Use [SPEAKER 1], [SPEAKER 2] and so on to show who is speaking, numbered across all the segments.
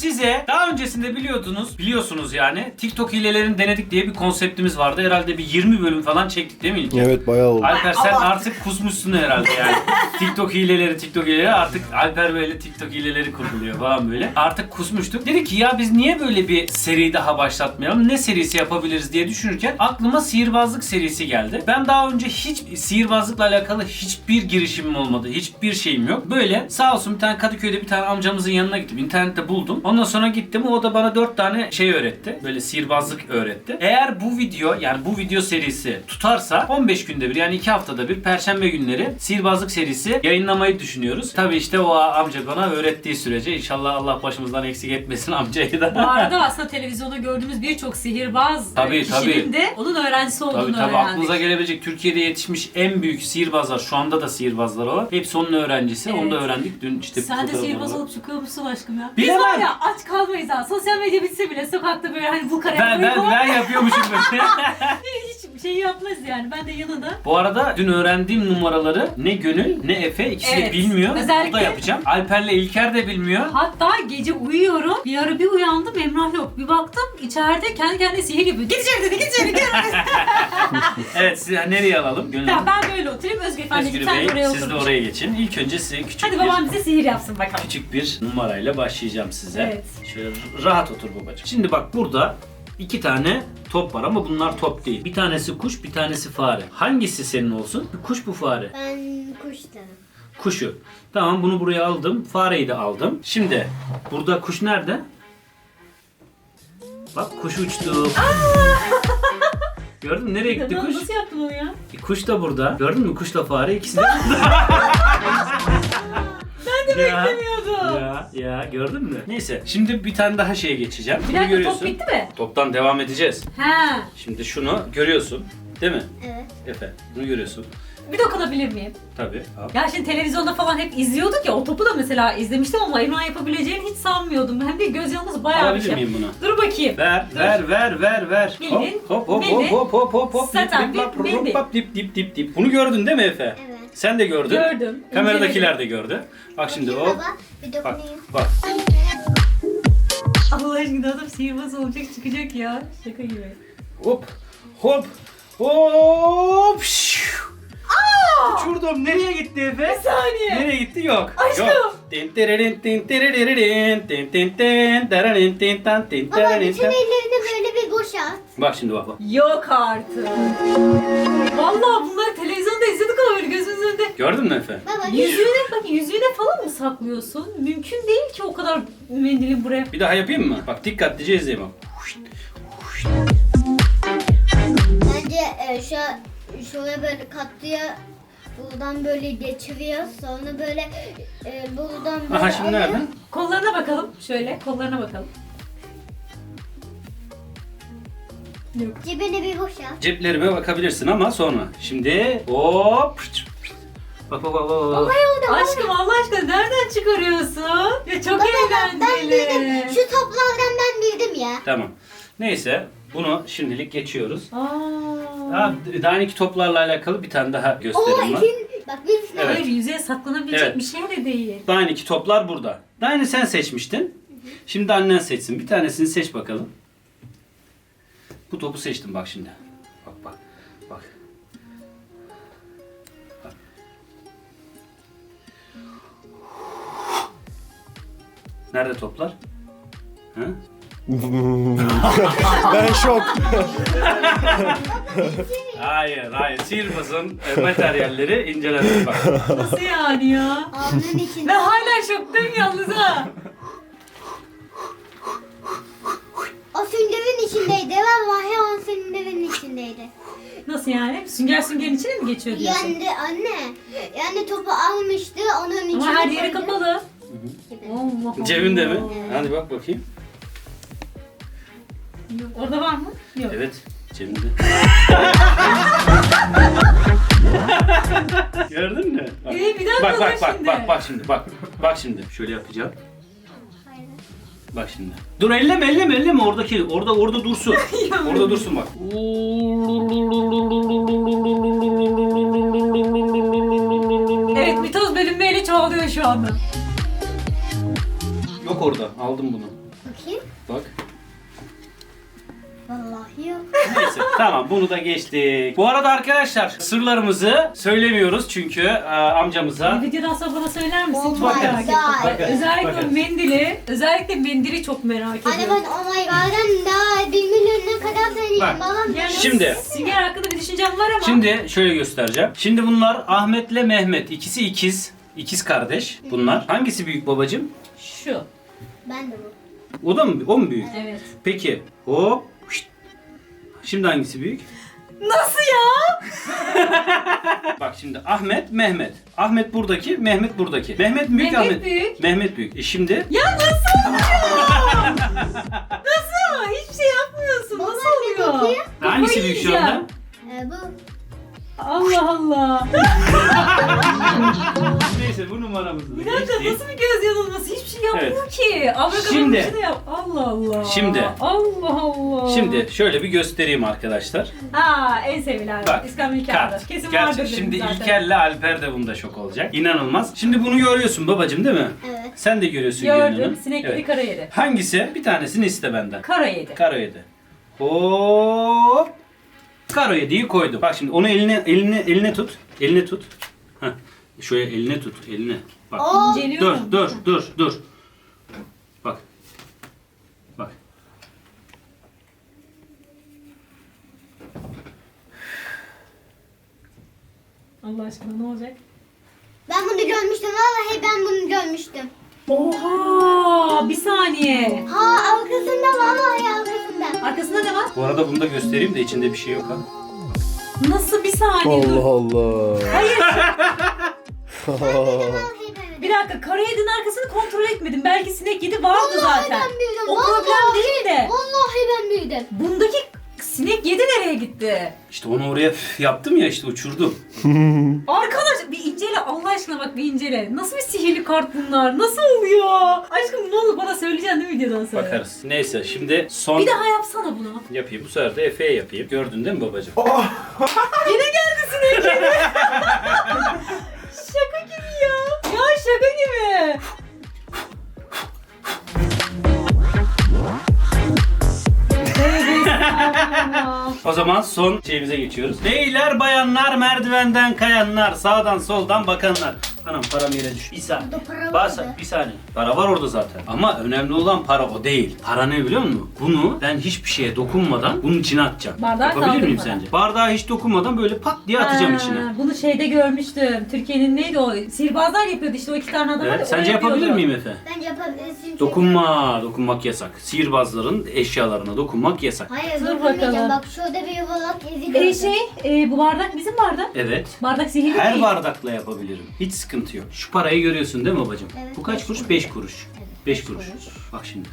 [SPEAKER 1] size daha öncesinde biliyorsunuz yani TikTok hilelerini denedik diye bir konseptimiz vardı. Herhalde bir 20 bölüm falan çektik değil mi İlker?
[SPEAKER 2] Evet bayağı oldu.
[SPEAKER 1] Alper sen artık kusmuşsun herhalde yani. TikTok hileleri artık Alper böyle TikTok hileleri kurguluyor falan böyle. Artık kusmuştuk. Dedik ki ya biz niye böyle bir seri daha başlatmayalım? Ne serisi yapabiliriz diye düşünürken aklıma sihirbazlık serisi geldi. Ben daha önce hiç sihirbazlıkla alakalı hiçbir girişimim olmadı. Hiçbir şeyim yok. Böyle sağ olsun bir tane Kadıköy'de bir tane amcamızın yanına gittim. İnternette buldum. Ondan sonra gittim. O da bana 4 tane şey öğretti. Böyle sihirbazlık öğretti. Eğer bu video serisi tutarsa 15 günde bir yani 2 haftada bir Perşembe günleri sihirbazlık serisi yayınlamayı düşünüyoruz. Tabii işte o amca bana öğrettiği sürece inşallah Allah başımızdan eksik etmesin amcayı da.
[SPEAKER 3] Bu arada aslında televizyonda gördüğümüz birçok sihirbaz kişinin de onun öğrencisi olduğunu öğrendik.
[SPEAKER 1] Aklınıza gelebilecek Türkiye'de yetişmiş en büyük sihirbazlar, şu anda da sihirbazlar o. Hepsi onun öğrencisi. Evet. Onu da öğrendik. Dün işte
[SPEAKER 3] sen de sihirbaz olup çıkıyor musun aşkım ya?
[SPEAKER 1] Bilemem.
[SPEAKER 3] Biz var ya aç kalmayız ha. Sosyal medya bitse bile sokakta böyle hani bu kare
[SPEAKER 1] ben yapıyormuşum böyle.
[SPEAKER 3] hiç şey yapmaz yani. Ben de yanında.
[SPEAKER 1] Bu arada dün öğrendiğim numaraları ne Gönül ne Efe ikisi de bilmiyor.
[SPEAKER 3] Özellikle...
[SPEAKER 1] Bu da yapacağım. Alper'le İlker de bilmiyor.
[SPEAKER 3] Hatta gece uyuyorum. Bir ara bir uyandım Emrah yok. Bir baktım içeride kendi kendine sihir yapıyor. Git içeri dedi, git içeri git.
[SPEAKER 1] Evet, sizi nereye alalım? Gönül
[SPEAKER 3] tamam ben böyle oturayım. Özgür
[SPEAKER 1] Bey siz de oraya geçin. İlk önce size
[SPEAKER 3] hadi babam bize sihir yapsın bakalım.
[SPEAKER 1] Küçük bir numarayla başlayacağım size.
[SPEAKER 3] Evet.
[SPEAKER 1] Şöyle rahat otur babacığım. Şimdi bak burada 2 tane top var ama bunlar top değil. Bir tanesi kuş, bir tanesi fare. Hangisi senin olsun? Bu kuş, bu fare.
[SPEAKER 4] Ben kuş derim.
[SPEAKER 1] Kuşu. Tamam, bunu buraya aldım. Fareyi de aldım. Şimdi burada kuş nerede? Bak kuş uçtu. Gördün mü? Nereye gitti kuş?
[SPEAKER 3] Nasıl yaptın onu ya?
[SPEAKER 1] Kuş da burada. Gördün mü? Kuşla fare ikisi de burada.
[SPEAKER 3] Ben de beklemiyordum.
[SPEAKER 1] Ya gördün mü? Neyse. Şimdi bir tane daha şeye geçeceğim.
[SPEAKER 3] Bir
[SPEAKER 1] Bunu
[SPEAKER 3] dakika
[SPEAKER 1] görüyorsun.
[SPEAKER 3] top bitti mi?
[SPEAKER 1] Toptan devam edeceğiz.
[SPEAKER 3] He.
[SPEAKER 1] Şimdi şunu görüyorsun. Değil mi?
[SPEAKER 4] Evet.
[SPEAKER 1] Efe. Bunu görüyorsun.
[SPEAKER 3] Bir dokunabilir miyim?
[SPEAKER 1] Tabii. Al.
[SPEAKER 3] Ya şimdi televizyonda falan hep izliyorduk ya, o topu da mesela izlemiştim ama Emrah yapabileceğini hiç sanmıyordum. Hem de göz yanımız bayağı bir
[SPEAKER 1] Alabilir
[SPEAKER 3] şey.
[SPEAKER 1] miyim bunu?
[SPEAKER 3] Dur bakayım.
[SPEAKER 1] Ver.
[SPEAKER 3] Bildin,
[SPEAKER 1] Hop.
[SPEAKER 3] Zaten bildin.
[SPEAKER 1] Dip. Bunu gördün değil mi Efe?
[SPEAKER 4] Evet.
[SPEAKER 1] Sen de gördün.
[SPEAKER 3] Gördüm.
[SPEAKER 1] Kameradakiler de gördü. Bak şimdi
[SPEAKER 4] Bakayım
[SPEAKER 1] hop.
[SPEAKER 4] baba, bir
[SPEAKER 1] Bak.
[SPEAKER 4] dokunayım.
[SPEAKER 1] Bak.
[SPEAKER 3] Allah aşkına adam sihirbaz olacak çıkacak ya. Şaka gibi.
[SPEAKER 1] Hop. Şşş. Uçurdum. Nereye gitti Efe?
[SPEAKER 3] Bir saniye.
[SPEAKER 1] Nereye gitti? Yok.
[SPEAKER 3] Aşkım.
[SPEAKER 1] Yok.
[SPEAKER 4] Baba bütün ellerini böyle bir boşalt.
[SPEAKER 1] Bak şimdi bak.
[SPEAKER 3] Yok artık. Vallahi bunları televizyonda izledik ama böyle gözümüzün önünde.
[SPEAKER 1] Gördün mü Efe?
[SPEAKER 4] Baba
[SPEAKER 3] Yüzüğüne falan mı saklıyorsun? Mümkün değil ki o kadar mendilin buraya.
[SPEAKER 1] Bir daha yapayım mı? Bak dikkatlice izleyin bak.
[SPEAKER 4] bence şöyle böyle katlıya buradan böyle geçiriyor. Sonra böyle buradan böyle
[SPEAKER 1] Aha şimdi
[SPEAKER 4] alıyor.
[SPEAKER 1] nerede?
[SPEAKER 3] Kollarına bakalım. Şöyle kollarına bakalım. Yok.
[SPEAKER 4] Cebine bir boşalt.
[SPEAKER 1] Ceplerime bakabilirsin ama sonra. Şimdi hop. Bak.
[SPEAKER 3] Aşkım Allah aşkına nereden çıkarıyorsun? Ya çok
[SPEAKER 4] Ben
[SPEAKER 3] eğlenceli.
[SPEAKER 4] bildim. Şu toplardan ben bildim ya.
[SPEAKER 1] Tamam. Neyse bunu şimdilik geçiyoruz.
[SPEAKER 3] Aa.
[SPEAKER 1] Daha iki toplarla alakalı bir tane daha
[SPEAKER 4] Oo
[SPEAKER 1] gösterim var.
[SPEAKER 4] bak biz
[SPEAKER 1] Evet.
[SPEAKER 3] Hayır, yüzeye saklanabilecek
[SPEAKER 1] Evet.
[SPEAKER 3] bir şey de değil.
[SPEAKER 1] Daha iki toplar burada. Daha yeni sen seçmiştin. Şimdi annen seçsin. Bir tanesini seç bakalım. Bu topu seçtim bak şimdi. Bak. Nerede toplar? Ha?
[SPEAKER 2] Ben şok.
[SPEAKER 1] Hayır. Sihirbazın materyalleri inceledim bak.
[SPEAKER 3] Nasıl yani ya?
[SPEAKER 4] ağzının içinde.
[SPEAKER 3] Ben hala şoktayım yalnız ha.
[SPEAKER 4] O süngerin içindeydi. Vallahi o süngerin içindeydi.
[SPEAKER 3] Nasıl yani? Süngerin içine mi geçiyor diyorsun?
[SPEAKER 4] Yani anne. Yani topu almıştı onun içine.
[SPEAKER 3] Ama her yeri
[SPEAKER 4] koydu.
[SPEAKER 3] kapalı.
[SPEAKER 4] Gibi.
[SPEAKER 3] Allah Allah.
[SPEAKER 1] Cebinde mi? Hadi bak bakayım.
[SPEAKER 3] Yok. Orada var mı? Yok.
[SPEAKER 1] Evet, cebinde. Gördün mü? Bak.
[SPEAKER 3] Bir daha
[SPEAKER 1] Bak şimdi. Bak şimdi. Şöyle yapacağım.
[SPEAKER 4] Hayır.
[SPEAKER 1] Bak şimdi. Dur elleme orada dursun. Orada dursun bak.
[SPEAKER 3] Evet, mitoz bölünmeyle çoğalıyor şu anda.
[SPEAKER 1] Yok orada. Aldım bunu.
[SPEAKER 4] Bakayım.
[SPEAKER 1] Bak.
[SPEAKER 4] Vallahi yok.
[SPEAKER 1] Neyse tamam bunu da geçtik. Bu arada arkadaşlar sırlarımızı söylemiyoruz çünkü amcamıza.
[SPEAKER 3] Videodan sonra bana söyler misin?
[SPEAKER 4] Oh
[SPEAKER 3] Çok
[SPEAKER 1] my
[SPEAKER 3] merak ettim.
[SPEAKER 4] God.
[SPEAKER 1] Bakarız,
[SPEAKER 3] Özellikle
[SPEAKER 1] bakarız.
[SPEAKER 3] özellikle mendili çok merak
[SPEAKER 4] Anne
[SPEAKER 3] ediyorum.
[SPEAKER 4] ben oh my god'dan daha 1 milyonuna kadar söyleyeyim.
[SPEAKER 1] Bak.
[SPEAKER 4] Babam
[SPEAKER 3] Yani
[SPEAKER 1] Şimdi-
[SPEAKER 3] Sünger hakkında bir düşüncem var ama.
[SPEAKER 1] Şimdi şöyle göstereceğim. Şimdi bunlar Ahmet'le Mehmet. İkisi ikiz. İkiz kardeş bunlar. Hangisi büyük babacığım?
[SPEAKER 3] Şu.
[SPEAKER 4] Ben de bu.
[SPEAKER 1] O da mı? O mu büyük?
[SPEAKER 3] Evet.
[SPEAKER 1] Peki. Hop. Şşt. Şimdi hangisi büyük?
[SPEAKER 3] Nasıl ya?
[SPEAKER 1] Bak şimdi Ahmet, Mehmet. Ahmet buradaki, Mehmet buradaki. Mehmet büyük,
[SPEAKER 3] Mehmet
[SPEAKER 1] Ahmet
[SPEAKER 3] büyük.
[SPEAKER 1] Mehmet büyük. Şimdi
[SPEAKER 3] Ya nasıl oluyor? Nasıl? Hiçbir şey yapmıyorsun.
[SPEAKER 4] Baba,
[SPEAKER 3] Nasıl
[SPEAKER 4] bir
[SPEAKER 3] oluyor?
[SPEAKER 4] bakayım.
[SPEAKER 1] hangisi
[SPEAKER 3] Kafayı
[SPEAKER 1] büyük şu
[SPEAKER 3] yiyeceğim.
[SPEAKER 1] anda?
[SPEAKER 4] Bu.
[SPEAKER 3] Allah Allah.
[SPEAKER 1] Neyse bu numaramızı
[SPEAKER 3] Bir dakika
[SPEAKER 1] geçtik.
[SPEAKER 3] nasıl bir göz yanılması? Hiçbir şey yapmıyor ki. Abracadabra
[SPEAKER 1] Şimdi-
[SPEAKER 3] bir şey de yap. Allah Allah.
[SPEAKER 1] Şimdi-
[SPEAKER 3] Allah Allah.
[SPEAKER 1] Şimdi şöyle bir göstereyim arkadaşlar.
[SPEAKER 3] Ha en sevilen.
[SPEAKER 1] Bak,
[SPEAKER 3] İskambil
[SPEAKER 1] Kart.
[SPEAKER 3] kağıdı. Kesin
[SPEAKER 1] Gerçi
[SPEAKER 3] vardır dedim
[SPEAKER 1] şimdi
[SPEAKER 3] zaten.
[SPEAKER 1] İlker'le Alper de bunda şok olacak. İnanılmaz. Şimdi bunu görüyorsun babacığım değil mi?
[SPEAKER 4] Evet.
[SPEAKER 1] Sen de görüyorsun Gönül
[SPEAKER 3] Gördüm.
[SPEAKER 1] Hanım.
[SPEAKER 3] Sinekleri
[SPEAKER 1] Evet.
[SPEAKER 3] kara yedi.
[SPEAKER 1] Hangisi? Bir tanesini iste benden.
[SPEAKER 3] Kara yedi.
[SPEAKER 1] Karo 7. Hop. Karo 7'yi koydum. Bak şimdi onu eline tut. Eline tut. Heh. Şöyle eline tut. Eline. Bak.
[SPEAKER 4] Oo.
[SPEAKER 1] Dur,
[SPEAKER 3] İnceliyorum.
[SPEAKER 1] dur. Bak. Bak.
[SPEAKER 3] Allah aşkına ne olacak?
[SPEAKER 4] Ben bunu görmüştüm. Vallahi ben bunu görmüştüm.
[SPEAKER 3] Oha! Bir saniye.
[SPEAKER 4] Ha arkasında vallahi arkasında.
[SPEAKER 3] Arkasında ne var?
[SPEAKER 1] Bu arada bunu da göstereyim de içinde bir şey yok ha.
[SPEAKER 3] Nasıl bir saniye? Dur.
[SPEAKER 2] Allah Allah.
[SPEAKER 3] Hayır.
[SPEAKER 4] Vallahi ben.
[SPEAKER 3] Bir dakika. Kara yedinin arkasını kontrol etmedim. Belki sinek yedi vardı
[SPEAKER 4] Vallahi
[SPEAKER 3] zaten.
[SPEAKER 4] ben büyüdüm.
[SPEAKER 3] O problem değil de.
[SPEAKER 4] Vallahi ben büyüdüm.
[SPEAKER 3] Bundaki sinek yedi nereye gitti?
[SPEAKER 1] İşte onu oraya yaptım ya işte uçurdum.
[SPEAKER 3] Arkadaş bir incele Allah aşkına bak bir incele. Nasıl bir sihirli kart bunlar? Nasıl oluyor? Aşkım ne olur bana söyleyeceksin değil mi videodan sonra?
[SPEAKER 1] Bakarız. Neyse şimdi son
[SPEAKER 3] Bir daha yapsana bunu.
[SPEAKER 1] yapayım. Bu sefer de Efe'ye yapayım. Gördün değil mi babacığım?
[SPEAKER 3] Yine geldi sinek yedi. Şaka gibi ya. Ya şaka gibi. Tövbe estağfurullah.
[SPEAKER 1] O zaman son şeyimize geçiyoruz. Beyler, bayanlar, merdivenden kayanlar, sağdan soldan bakanlar. Anam param yere düştü. Bir saniye.
[SPEAKER 4] Burada para var mı?
[SPEAKER 1] Bir saniye. Para var orada zaten. Ama önemli olan para o değil. Para ne biliyor musun? Bunu ben hiçbir şeye dokunmadan bunun içine atacağım.
[SPEAKER 3] Bardağı
[SPEAKER 1] Yapabilir miyim
[SPEAKER 3] kaldırmadan.
[SPEAKER 1] sence? Bardağı hiç dokunmadan böyle pat diye atacağım
[SPEAKER 3] Ha,
[SPEAKER 1] içine.
[SPEAKER 3] Bunu şeyde görmüştüm. Türkiye'nin neydi o? Sihirbazlar yapıyordu işte o iki tane adam var ya,
[SPEAKER 1] Evet,
[SPEAKER 3] o
[SPEAKER 1] sence yapabilir
[SPEAKER 3] yapıyordu.
[SPEAKER 1] miyim Efe?
[SPEAKER 4] Bence yapabilirsin. çünkü-
[SPEAKER 1] Dokunmak yasak. Sihirbazların eşyalarına dokunmak yasak.
[SPEAKER 4] Hayır
[SPEAKER 3] Dur
[SPEAKER 4] dokunmayacağım.
[SPEAKER 3] bakalım.
[SPEAKER 4] Bak şurada bir yuvarlak izi gördüm.
[SPEAKER 3] Bu bardak bizim bardak.
[SPEAKER 1] Evet.
[SPEAKER 3] Bardak sihirli
[SPEAKER 1] Her
[SPEAKER 3] değil.
[SPEAKER 1] bardakla yapabilirim. Hiç sıkıntı yok. Şu parayı görüyorsun değil mi babacığım?
[SPEAKER 4] Evet,
[SPEAKER 1] Bu kaç
[SPEAKER 4] beş
[SPEAKER 1] kuruş?
[SPEAKER 4] kuruş.
[SPEAKER 1] 5 kuruş.
[SPEAKER 4] Evet,
[SPEAKER 1] 5
[SPEAKER 4] beş
[SPEAKER 1] kuruş.
[SPEAKER 4] kuruş.
[SPEAKER 1] Bak şimdi.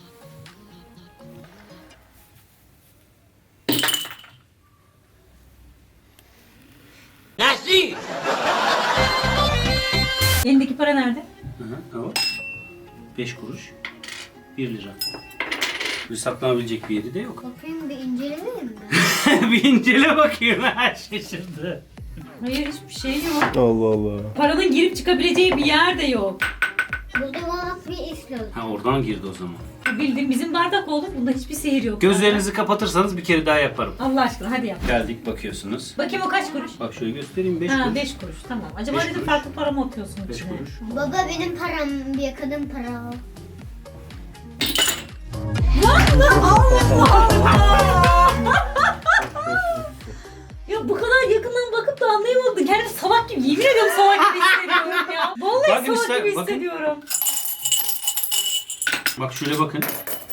[SPEAKER 3] Elindeki para nerede?
[SPEAKER 1] Hı hı. 5 kuruş. 1 lira. Bir saklanabilecek bir yeri de yok.
[SPEAKER 4] Bakayım bir incelemeyeyim mi?
[SPEAKER 1] Bir incele bakayım. Ha, şaşırdı.
[SPEAKER 3] Hayır hiçbir şey yok.
[SPEAKER 2] Allah Allah.
[SPEAKER 3] Paranın girip çıkabileceği bir yer de yok.
[SPEAKER 4] Burada yuvarlak bir iz gördüm.
[SPEAKER 1] Ha, oradan girdi o zaman.
[SPEAKER 3] Bildiğin bizim bardak oldu. Bunda hiçbir sihir yok.
[SPEAKER 1] Gözlerinizi kapatırsanız bir kere daha yaparım.
[SPEAKER 3] Allah aşkına hadi yap.
[SPEAKER 1] Geldik bakıyorsunuz.
[SPEAKER 3] Bakayım o kaç kuruş?
[SPEAKER 1] Bak şöyle göstereyim 5
[SPEAKER 3] Ha
[SPEAKER 1] kuruş.
[SPEAKER 3] 5 kuruş tamam. Acaba
[SPEAKER 1] Beş
[SPEAKER 3] dedim
[SPEAKER 1] kuruş.
[SPEAKER 3] farklı para mı atıyorsun
[SPEAKER 1] 5
[SPEAKER 3] içine?
[SPEAKER 1] kuruş.
[SPEAKER 4] Baba benim param bir kadın para.
[SPEAKER 3] Ya bu kadar yakından bakıp da anlayamadım. Kendimi salak gibi, yemin ediyorum salak gibi hissediyorum ya. Vallahi
[SPEAKER 1] Bakın
[SPEAKER 3] salak
[SPEAKER 1] işte,
[SPEAKER 3] gibi
[SPEAKER 1] bakın.
[SPEAKER 3] hissediyorum.
[SPEAKER 1] Bak şöyle bakın.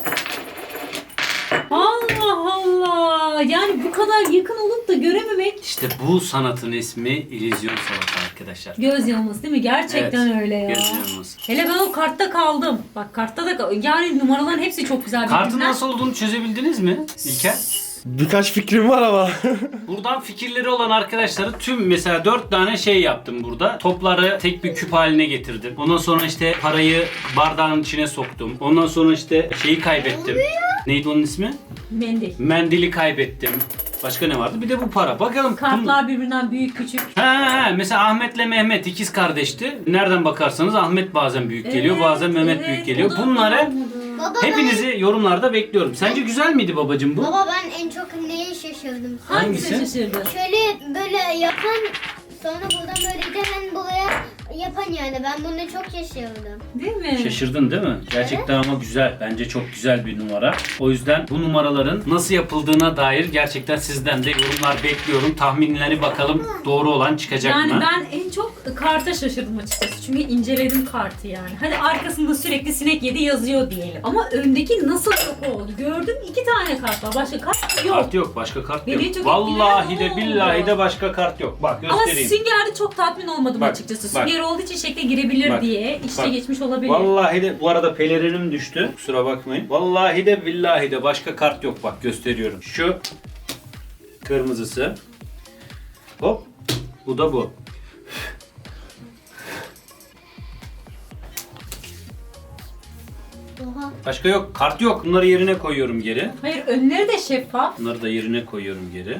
[SPEAKER 3] Allah Allah. Yani bu kadar yakın olup da görememek
[SPEAKER 1] İşte bu sanatın ismi illüzyon sanatı arkadaşlar.
[SPEAKER 3] göz yanılması değil mi? Gerçekten
[SPEAKER 1] Evet,
[SPEAKER 3] öyle ya.
[SPEAKER 1] göz yanılması.
[SPEAKER 3] Hele ben o kartta kaldım. Bak kartta da yani numaraların hepsi çok güzel.
[SPEAKER 1] Kartın
[SPEAKER 3] birbirinden.
[SPEAKER 1] nasıl olduğunu çözebildiniz mi İlker?
[SPEAKER 2] Birkaç fikrim var ama.
[SPEAKER 1] Buradan fikirleri olan arkadaşları tüm mesela 4 tane şey yaptım burada. Topları tek bir küp haline getirdim. Ondan sonra işte parayı bardağın içine soktum. Ondan sonra işte şeyi kaybettim. Neydi onun ismi?
[SPEAKER 3] Mendil.
[SPEAKER 1] Mendili kaybettim. Başka ne vardı? Bir de bu para. Bakalım.
[SPEAKER 3] Kartlar birbirinden büyük küçük.
[SPEAKER 1] Ha, mesela Ahmet'le Mehmet ikiz kardeşti. Nereden bakarsanız Ahmet bazen büyük geliyor,
[SPEAKER 3] Evet,
[SPEAKER 1] bazen Mehmet
[SPEAKER 3] evet,
[SPEAKER 1] büyük geliyor.
[SPEAKER 3] o da
[SPEAKER 1] Bunları
[SPEAKER 3] anlamadım.
[SPEAKER 4] Baba
[SPEAKER 1] Hepinizi yorumlarda bekliyorum. Sence güzel miydi babacığım bu?
[SPEAKER 4] Baba ben en çok neye şaşırdım?
[SPEAKER 1] Hangisi?
[SPEAKER 3] Hangisi şaşırdı?
[SPEAKER 4] Şöyle böyle yapan sonra buradan böyle hemen buraya yapan yani ben buna çok şaşırdım.
[SPEAKER 3] Değil mi?
[SPEAKER 1] Şaşırdın değil mi? Gerçekten ama güzel. Bence çok güzel bir numara. O yüzden bu numaraların nasıl yapıldığına dair gerçekten sizden de yorumlar bekliyorum. Tahminleri bakalım doğru olan çıkacak
[SPEAKER 3] Yani
[SPEAKER 1] mı?
[SPEAKER 3] ben en çok karta şaşırdım açıkçası. Çünkü inceledim kartı yani. Hadi arkasında sürekli sinek yedi yazıyor diyelim. Ama öndeki nasıl çok oldu? Gördüm 2 tane kart var. Başka kart yok.
[SPEAKER 1] Kart yok. Başka kart
[SPEAKER 3] Beni
[SPEAKER 1] yok.
[SPEAKER 3] çok
[SPEAKER 1] Vallahi
[SPEAKER 3] etkileyen
[SPEAKER 1] de
[SPEAKER 3] o
[SPEAKER 1] billahi
[SPEAKER 3] oldu.
[SPEAKER 1] de başka kart yok. Bak
[SPEAKER 3] Ama
[SPEAKER 1] göstereyim.
[SPEAKER 3] süngerde çok tatmin olmadım
[SPEAKER 1] Bak,
[SPEAKER 3] açıkçası.
[SPEAKER 1] bak.
[SPEAKER 3] Sünger olduğu için şekle girebilir
[SPEAKER 1] Bak,
[SPEAKER 3] diye. İçte
[SPEAKER 1] bak.
[SPEAKER 3] geçmiş olabilir.
[SPEAKER 1] Vallahi de bu arada pelerinim düştü. Kusura bakmayın. Vallahi de billahi de başka kart yok. Bak gösteriyorum. Şu kırmızısı. Hop. Bu da bu.
[SPEAKER 4] Oha.
[SPEAKER 1] Başka yok. Kart yok. Bunları yerine koyuyorum geri.
[SPEAKER 3] Hayır önleri de şeffaf.
[SPEAKER 1] Bunları da yerine koyuyorum geri.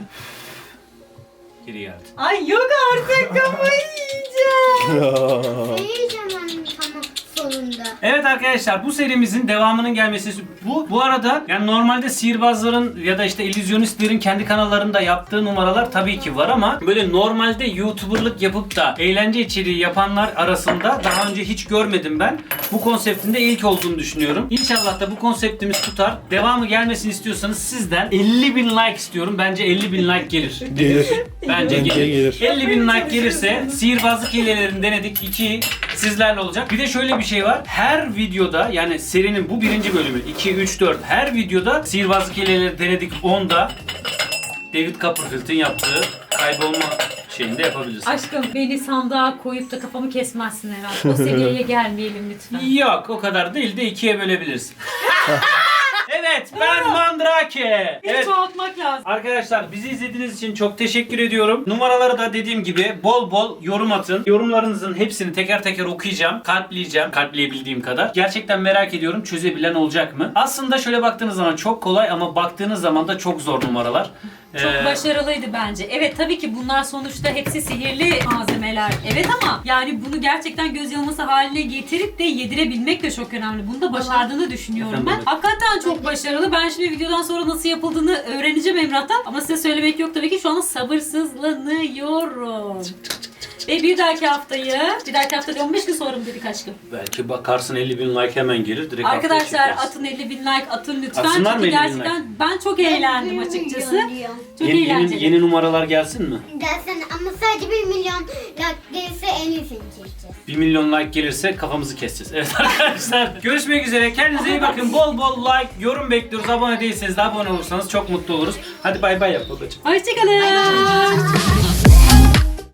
[SPEAKER 1] Geri geldi.
[SPEAKER 3] Ay yok artık kafayı yiyeceğim.
[SPEAKER 4] Seyireceğim ben tamam sonunda.
[SPEAKER 1] Evet arkadaşlar bu serimizin devamının gelmesi bu arada yani normalde sihirbazların ya da işte illüzyonistlerin kendi kanallarında yaptığı numaralar tabii ki var ama böyle normalde YouTuber'lık yapıp da eğlence içeriği yapanlar arasında daha önce hiç görmedim ben. Bu konseptin de ilk olduğunu düşünüyorum. İnşallah da bu konseptimiz tutar. Devamı gelmesini istiyorsanız sizden 50.000 like istiyorum. Bence 50.000 like gelir.
[SPEAKER 2] Gelir.
[SPEAKER 1] Bence
[SPEAKER 2] Bence
[SPEAKER 1] gelir.
[SPEAKER 2] gelir.
[SPEAKER 1] 50.000 like gelirse sihirbazlık hilelerini denedik. 2 sizlerle olacak. Bir de şöyle bir şey var. Her videoda yani serinin bu birinci bölümü 2, 3, 4 her videoda sihirbazlık hileleri denedik 10'da David Copperfield'in yaptığı kaybolma şeyini de yapabilirsin.
[SPEAKER 3] Aşkım beni sandığa koyup da kafamı kesmezsin herhalde. O seviyeye gelmeyelim lütfen.
[SPEAKER 1] Yok o kadar değil de 2'ye bölebilirsin. Evet ben Mandrake.
[SPEAKER 3] Beni
[SPEAKER 1] Evet.
[SPEAKER 3] çoğaltmak lazım.
[SPEAKER 1] Arkadaşlar bizi izlediğiniz için çok teşekkür ediyorum. Numaraları da dediğim gibi bol bol yorum atın. Yorumlarınızın hepsini teker teker okuyacağım. Kalpleyeceğim. Kalpleyebildiğim kadar. Gerçekten merak ediyorum çözebilen olacak mı? Aslında şöyle baktığınız zaman çok kolay ama baktığınız zaman da çok zor numaralar.
[SPEAKER 3] Çok başarılıydı bence. Evet tabii ki bunlar sonuçta hepsi sihirli malzemeler. Evet ama yani bunu gerçekten göz yanılması haline getirip de yedirebilmek de çok önemli. Bunu da başardığını düşünüyorum
[SPEAKER 1] Efendim,
[SPEAKER 3] ben.
[SPEAKER 1] evet.
[SPEAKER 3] Hakikaten çok başarılı. Ben şimdi videodan sonra nasıl yapıldığını öğreneceğim Emrah'tan. Ama size söylemek yok tabii ki şu anda sabırsızlanıyorum. Ve bir dahaki hafta değil 15 gün sonra mı dedik aşkım?
[SPEAKER 1] Belki bakarsın 50.000 like hemen gelir. Direkt
[SPEAKER 3] Arkadaşlar
[SPEAKER 1] haftaya çekeriz.
[SPEAKER 3] atın 50.000 like atın lütfen.
[SPEAKER 1] Atsınlar mı
[SPEAKER 3] Çünkü
[SPEAKER 1] 50.000
[SPEAKER 3] gerçekten ben çok eğlendim açıkçası. Çok
[SPEAKER 1] Yeni,
[SPEAKER 3] eğlenceli.
[SPEAKER 1] yeni numaralar gelsin mi?
[SPEAKER 4] Dersen ama sadece 1 milyon like gelirse en iyisini çekeceğiz.
[SPEAKER 1] 1 milyon like gelirse kafamızı keseceğiz. Evet arkadaşlar. Görüşmek üzere. Kendinize iyi bakın. Bol bol like, yorum bekliyoruz. Abone değilseniz de abone olursanız çok mutlu oluruz. Hadi bay bay yap babacığım.
[SPEAKER 3] Hoşçakalın.